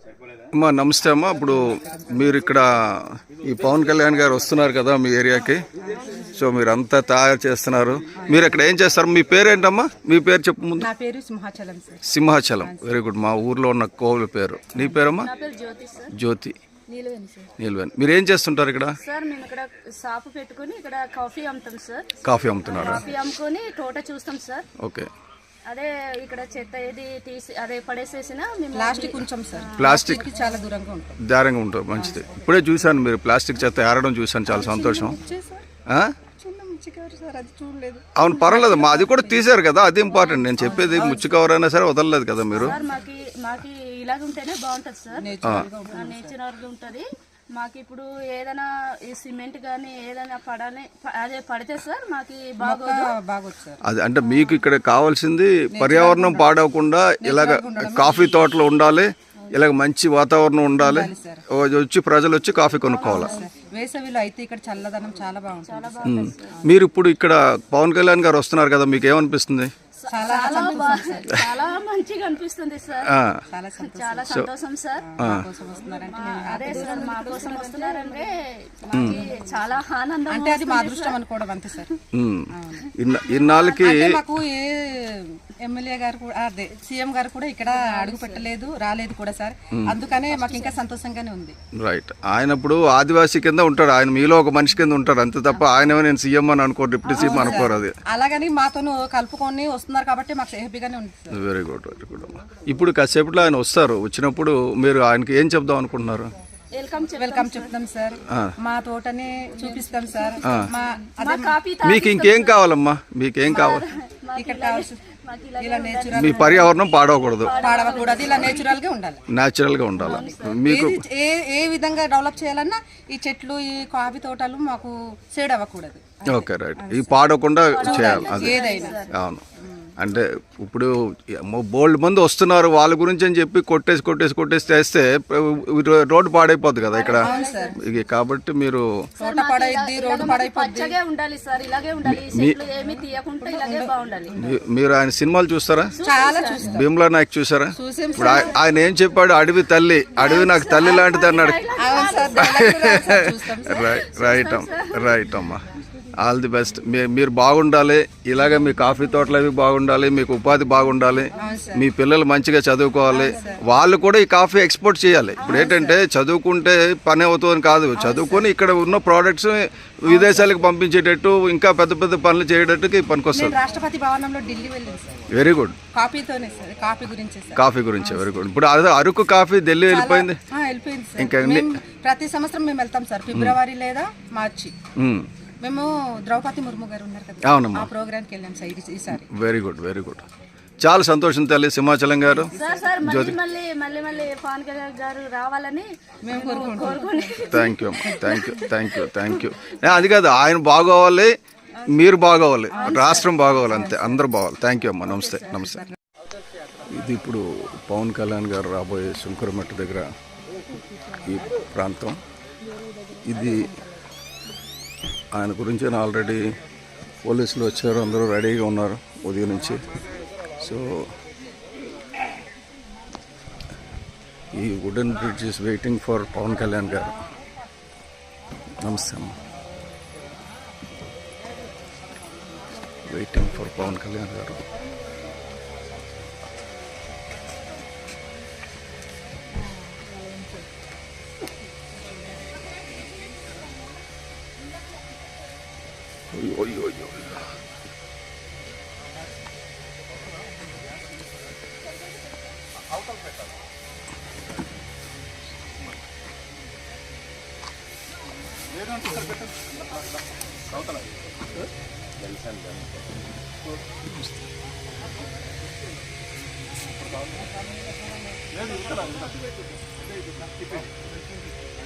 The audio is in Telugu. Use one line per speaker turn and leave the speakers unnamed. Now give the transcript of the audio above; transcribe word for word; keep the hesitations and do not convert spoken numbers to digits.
అమ్మా నమస్తే అమ్మా. ఇప్పుడు మీరు ఇక్కడ ఈ పవన్ కళ్యాణ్ గారు వస్తున్నారు కదా మీ ఏరియాకి, సో మీరు అంతా తయారు చేస్తున్నారు. మీరు ఇక్కడ ఏం చేస్తారు? మీ పేరు ఏంటమ్మా? మీ పేరు చెప్పు ముందు.
నా పేరు Simhachalam sir.
Simhachalam, very good. మా ఊర్లో ఉన్న కోవిల పేరు. నీ పేరమ్మా? జ్యోతి. నీలవేణి. మీరు ఏం చేస్తుంటారు ఇక్కడ?
సార్ మేము ఇక్కడ షాపు పెట్టుకుని ఇక్కడ కాఫీ అమ్ముతాం సార్.
కాఫీ అమ్ముతున్నారు.
కాఫీ అమ్ముకొని తోట చూస్తాం సార్.
ఓకే.
అదే ఇక్కడ చెత్త ఏది తీసి అదే పడేసేసిన
ప్లాస్టిక్ ఉంచాం సార్.
ప్లాస్టిక్
చాలా దూరంగా ఉంటాం.
దూరంగా ఉంటాం, మంచిది. ఇప్పుడే చూశాను మీరు ప్లాస్టిక్ చెత్త ఏరడం చూశాను, చాలా సంతోషం. అవును, పర్వాలేదు మా, అది కూడా తీసారు కదా, అది ఇంపార్టెంట్. నేను చెప్పేది ముచ్చు కవర్ అయినా సరే వదలలేదు కదా మీరు.
మాకి ఇలాగ ఉంటేనే బాగుంటది సార్, నేచురల్ గా ఉంటది. మాకు ఇప్పుడు ఏదైనా ఈ సిమెంట్ గానీ ఏదైనా పడాలి, అదే పడితే సార్ మాకి బాగోదు.
అది అంటే మీకు ఇక్కడ కావాల్సింది పర్యావరణం పాడవకుండా ఇలాగ కాఫీ తోటలు ఉండాలి, ఇలాగ మంచి వాతావరణం ఉండాలి, వచ్చి ప్రజలు వచ్చి కాఫీ కొనుక్కోవాలి.
వేసవిలో అయితే ఇక్కడ చల్లదనం చాలా బాగుంటుంది.
మీరు ఇప్పుడు ఇక్కడ పవన్ కళ్యాణ్ గారు వస్తున్నారు కదా, మీకు ఏమనిపిస్తుంది?
చాలా మంచిగా అనిపిస్తుంది సార్, చాలా సంతోషం సార్. అదే సార్ మా కోసం వస్తున్నారంటే చాలా ఆనందం,
అంటే అది మా అదృష్టం అనుకోవడం అంతే సార్.
ఇన్నాళ్ళకి
మాకు ఏ ఎమ్మెల్యే గారు కూడా అదే సీఎం గారు కూడా ఇక్కడ అడుగు పెట్టలేదు, రాలేదు కూడా సార్. అందుకనే మాకు ఇంకా సంతోషంగానే ఉంది.
రైట్. ఆయన ఇప్పుడు ఆదివాసీ కింద ఉంటాడు, ఆయన మీలో ఒక మనిషి కింద ఉంటారు అంతే తప్ప ఆయన నేను సీఎం అని అనుకోరు, డిప్యూటీ సీఎం అనుకోరు. అది
అలాగని మాతో కలుపుకొని వస్తున్నారు కాబట్టి మాకు హ్యాపీగానే ఉంది.
Very good, very good. ఇప్పుడు కాసేపట్లో ఆయన వస్తారు, వచ్చినప్పుడు మీరు ఆయనకి ఏం చెప్దాం అనుకుంటున్నారు?
వెల్కమ్ చెప్తాం సార్, మా తోటని చూపిస్తాం సార్.
మీకు ఇంకేం కావాలమ్మా? మీకేం కావాలి?
ఇక్కడ కావాల్సి
మీ పర్యావరణం పాడవకూడదు,
పాడవకూడదు, ఇలా నేచురల్ గా ఉండాలి,
నేచురల్ గా ఉండాలి. మీకు
ఏ ఏ విధంగా డెవలప్ చేయాలన్నా ఈ చెట్లు ఈ కాఫీ తోటలు మాకు సేడ్ అవ్వకూడదు.
Okay, right. ఈ పాడకుండా చేయాలి, అది
ఏదైనా.
అవును. అంటే ఇప్పుడు బోల్డ్ మంది వస్తున్నారు, వాళ్ళ గురించి అని చెప్పి కొట్టేసి కొట్టేసి కొట్టేసి చేస్తే రోడ్డు పాడైపోద్ది కదా ఇక్కడ, కాబట్టి మీరు మీరు ఆయన సినిమాలు చూస్తారా? భీమ్లా నాయక్ చూసారా? ఇప్పుడు ఆయన ఏం చెప్పాడు? అడవి తల్లి, అడవి నాకు తల్లి లాంటిది అన్నాడు. రైట్ అమ్మా, రైట్ అమ్మా. All the best. మీరు బాగుండాలి, ఇలాగే మీ కాఫీ తోటలు అవి బాగుండాలి, మీకు ఉపాధి బాగుండాలి, మీ పిల్లలు మంచిగా చదువుకోవాలి, వాళ్ళు కూడా ఈ కాఫీ ఎక్స్పోర్ట్ చేయాలి. ఇప్పుడు ఏంటంటే చదువుకుంటే పని అవుతుందని కాదు, చదువుకొని ఇక్కడ ఉన్న ప్రోడక్ట్స్ విదేశాలకు పంపించేటట్టు ఇంకా పెద్ద పెద్ద పనులు చేయడానికి పనికొస్తుంది.
రాష్ట్రపతి భవనంలో ఢిల్లీ వెళ్ళింది సార్.
Very good.
కాఫీతోనే సార్, కాఫీ గురించి
కాఫీ గురించి వెరీ గుడ్. ఇప్పుడు అదే అరకు కాఫీ ఢిల్లీ వెళ్ళిపోయింది.
ఇంకా ప్రతి సంవత్సరం మేము వెళ్తాం సార్, ఫిబ్రవరి లేదా మార్చి. మేము ద్రౌపది ముర్ము గారు ఉన్నారు కదా,
అవునమ్మా,
ఆ ప్రోగ్రామ్కి వెళ్ళాం సార్ ఈసారి.
Very good, very good. చాలా సంతోషం తల్లి సింహాచలం గారు. థ్యాంక్ యూ అమ్మా, thank you, thank you, thank you. అది కాదు, ఆయన బాగోవాలి, మీరు బాగోవాలి, రాష్ట్రం బాగోవాలి, అంతే, అందరూ బాగోవాలి. థ్యాంక్ యూ అమ్మా, నమస్తే, నమస్తే. ఇది ఇప్పుడు పవన్ కళ్యాణ్ గారు రాబోయే శంకరమట్ట దగ్గర ఈ ప్రాంతం. ఇది ఆయన గురించి ఆల్రెడీ పోలీసులు వచ్చారు, అందరూ రెడీగా ఉన్నారు ఉదయం నుంచి. సో ఈ wooden bridge is waiting for Pavan Kalyan garu. నమస్తే అమ్మ. వెయిటింగ్ ఫర్ పవన్ కళ్యాణ్ గారు. Oy, oy, oy, oy. లేదు